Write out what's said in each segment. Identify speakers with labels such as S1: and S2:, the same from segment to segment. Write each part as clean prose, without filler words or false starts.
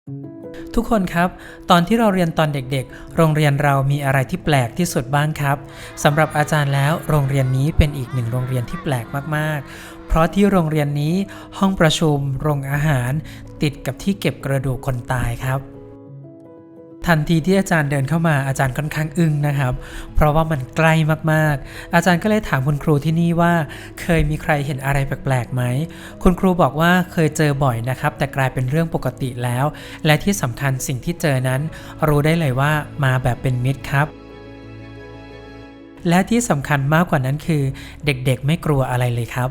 S1: ทุกคนครับตอนที่เราเรียนตอนเด็กๆโรงเรียนเรามีอะไรที่แปลกที่สุดบ้างครับสำหรับอาจารย์แล้วโรงเรียนนี้เป็นอีกหนึ่งโรงเรียนที่แปลกมากๆเพราะที่โรงเรียนนี้ห้องประชุมโรงอาหารติดกับที่เก็บกระดูกคนตายครับทันทีที่อาจารย์เดินเข้ามาอาจารย์ค่อนข้างอึ้งนะครับเพราะว่ามันใกล้มากๆอาจารย์ก็เลยถามคุณครูที่นี่ว่าเคยมีใครเห็นอะไรแปลกๆไหมคุณครูบอกว่าเคยเจอบ่อยนะครับแต่กลายเป็นเรื่องปกติแล้วและที่สำคัญสิ่งที่เจอนั้นรู้ได้เลยว่ามาแบบเป็นมิตรครับและที่สำคัญมากกว่านั้นคือเด็กๆไม่กลัวอะไรเลยครับ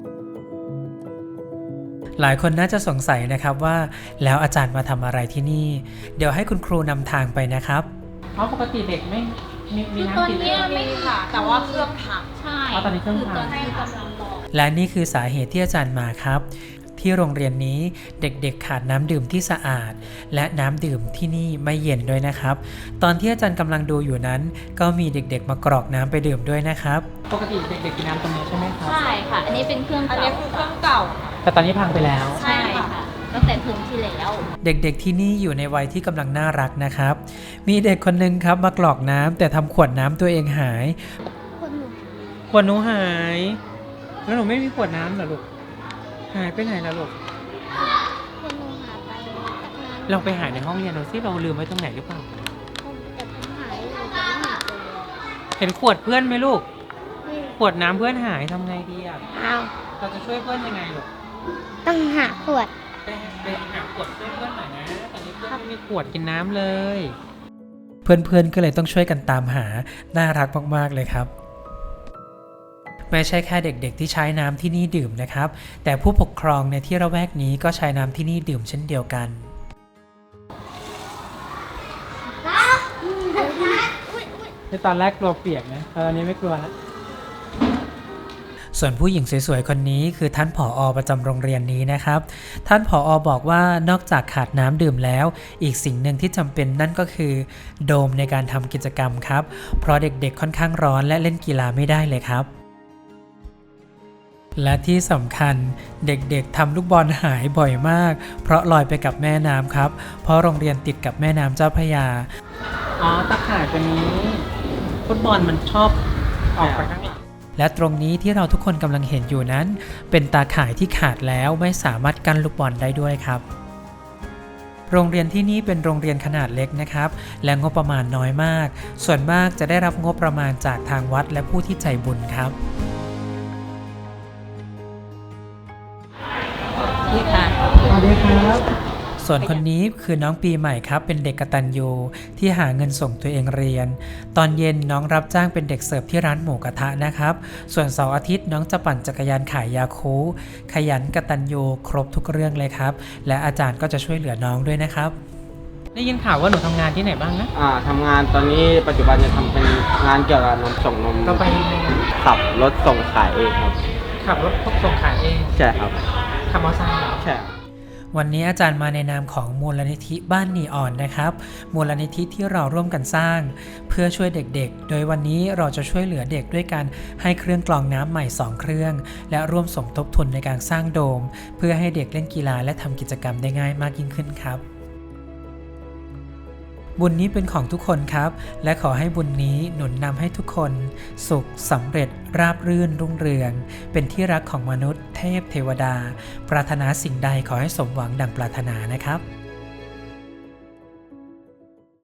S1: หลายคนน่าจะสงสัยนะครับว่าแล้วอาจารย์มาทำอะไรที่นี่เดี๋ยวให้คุณครูนำทางไปนะครับเพราะปกติเด็กไม่มีน้ำกิน
S2: ไม่ค่ะแต่ว่าเครื่องพัง
S3: ใช่
S1: ตอนนี้เครื่องพัง
S3: ตอนนี้กำลังรอ
S1: และนี่คือสาเหตุที่อาจารย์มาครับที่โรงเรียนนี้เด็กๆขาดน้ำดื่มที่สะอาดและน้ำดื่มที่นี่ไม่เย็นด้วยนะครับตอนที่อาจารย์กำลังดูอยู่นั้นก็มีเด็กๆมากรอกน้ำไปดื่มด้วยนะครับปกติเด็กๆกินน้ำตรงนี้ใช่ไหมครับ
S3: ใช่ค่ะ อันนี้เป็นเครื่อง
S2: อัน
S3: เก่า
S2: นี้คือเครื่องเก่า
S1: แต่ตอนนี้พังไปแล้ว
S3: ใช่ค่ะตั้งแต่เทอมที่แล้ว
S1: เด็กๆที่นี่อยู่ในวัยที่กำลังน่ารักนะครับมีเด็กคนนึงครับมากรอกน้ำแต่ทำขวดน้ำตัวเองหายขวดหนูหายแล้วหนูไม่มีขวดน้ำเหรอลูกหายไปไหนล่ะลูก
S4: คุณหนูหาไปตั้งนาน
S1: ลองไปหาในห้องเรียนดูซิเราลืมไว้ตรงไหนหรือเปล่า
S4: แต่ผมหายอยู่แต่ไม่หาเจอ
S1: เห็นขวดเพื่อนไหมลูก
S4: นี่
S1: ขวดน้ำเพื่อนหายทำไงดีอ่ะ
S4: อ้าว
S1: เราจะช่วยเพื่อนยังไงลูก
S4: ต้องหาขวด
S1: ไปหาขวดช่วยเพื่อนหน่อยนะตอนนี้เพื่อนไม่มีขวดกินน้ำเลย เพื่อนๆก็เลยต้องช่วยกันตามหาน่ารักมากๆเลยครับไม่ใช่แค่เด็กๆที่ใช้น้ำที่นี่ดื่มนะครับแต่ผู้ปกครองในที่ระแวกนี้ก็ใช้น้ำที่นี่ดื่มเช่นเดียวกันในตอนแรกกลัวเปียกนะตอนนี้ไม่กลัวแล้วส่วนผู้หญิงสวยๆคนนี้คือท่านผอ.ประจำโรงเรียนนี้นะครับท่านผอ.บอกว่านอกจากขาดน้ำดื่มแล้วอีกสิ่งหนึ่งที่จำเป็นนั่นก็คือโดมในการทำกิจกรรมครับเพราะเด็กๆค่อนข้างร้อนและเล่นกีฬาไม่ได้เลยครับและที่สำคัญเด็กๆทำลูกบอลหายบ่อยมากเพราะลอยไปกับแม่น้ำครับเพราะโรงเรียนติดกับแม่น้ำเจ้าพระยาอ๋อตะข่ายตัวนี้ฟุตบอลมันชอบออกไปข้างหลังและตรงนี้ที่เราทุกคนกำลังเห็นอยู่นั้นเป็นตาข่ายที่ขาดแล้วไม่สามารถกั้นลูกบอลได้ด้วยครับโรงเรียนที่นี่เป็นโรงเรียนขนาดเล็กนะครับและงบประมาณน้อยมากส่วนมากจะได้รับงบประมาณจากทางวัดและผู้ที่ใจบุญครับ
S3: นี่ค่ะ
S1: สวัสดีครับส่วนคนนี้คือน้องปีใหม่ครับเป็นเด็กกตัญญูที่หาเงินส่งตัวเองเรียนตอนเย็นน้องรับจ้างเป็นเด็กเสิร์ฟที่ร้านหมูกระทะนะครับส่วนเสาร์อาทิตย์น้องจะปั่นจักรยานขายยาคูขยันกตัญญูครบทุกเรื่องเลยครับและอาจารย์ก็จะช่วยเหลือน้องด้วยนะครับได้ยินข่าวว่าหนูทำงานที่ไหนบ้างนะ
S5: ทำงานตอนนี้ปัจจุบันจะทำเป็นงานเกี่ยวกับนมส่งนม
S1: ก็ไป
S5: ขับรถส่งขายเองครับ
S1: ขับรถส่งขายเอง
S5: ใช่ครับ
S1: ขับมอเตอร์ไซค์เหรอ
S5: ใช่
S1: วันนี้อาจารย์มาในนามของมูลนิธิบ้านนีออนนะครับมูลนิธิที่เราร่วมกันสร้างเพื่อช่วยเด็กๆโดยวันนี้เราจะช่วยเหลือเด็กด้วยการให้เครื่องกรองน้ำใหม่2เครื่องและร่วมสมทบทุนในการสร้างโดมเพื่อให้เด็กเล่นกีฬาและทำกิจกรรมได้ง่ายมากยิ่งขึ้นครับบุญนี้เป็นของทุกคนครับและขอให้บุญนี้หนุนนำให้ทุกคนสุขสำเร็จราบรื่นรุ่งเรืองเป็นที่รักของมนุษย์เทพเทวดาปรารถนาสิ่งใดขอให้สมหวังดังปรารถนานะครับ